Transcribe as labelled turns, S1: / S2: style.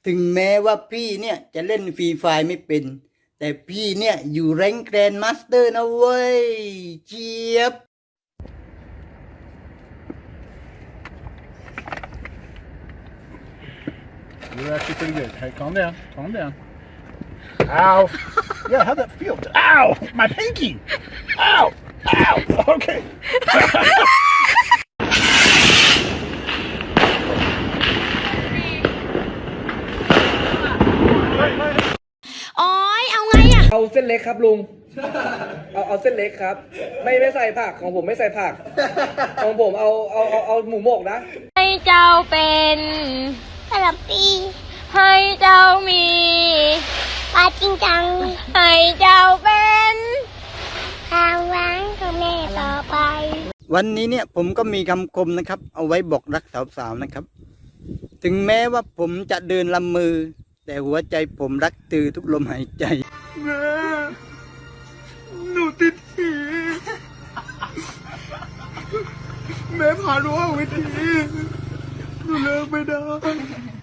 S1: ถึงแม้ว่าพี่เนี่ยจะเล่นฟรีไฟไม่เป็น แต่พี่เนี่ยอยู่แรงค์แกรนด์มาสเตอร์นะเว้ยเจี๊ยบ
S2: You're actually pretty good. Hey, calm down. Calm down. Ow. Yeah, how'd that feel? Ow! My pinky! Ow! Ow! Okay.
S3: โอ้ยเอาไงอะ
S4: เอาเส้นเล็กครับลุง เอาเส้นเล็กครับ ไม่ใส่ผักของผมไม่ใส่ผัก ของผมเอาหมูหมกนะ
S3: ให้เจ้าเป็นกะหล่ำปีให้เจ้ามีปลาจริงจังให้เจ้าเป็นความหวังของแม่ต่อไป
S1: วันนี้เนี่ยผมก็มีคำคมนะครับ เอาไว้บอกรักสาวๆนะครับ ถึงแม้ว่าผมจะเดินลำมือ แต่หัวใจผมรักตือทุกลมหายใจแม่หนูติดผีแม่พาหนูเอาวิธีหนูเลิกไม่ได้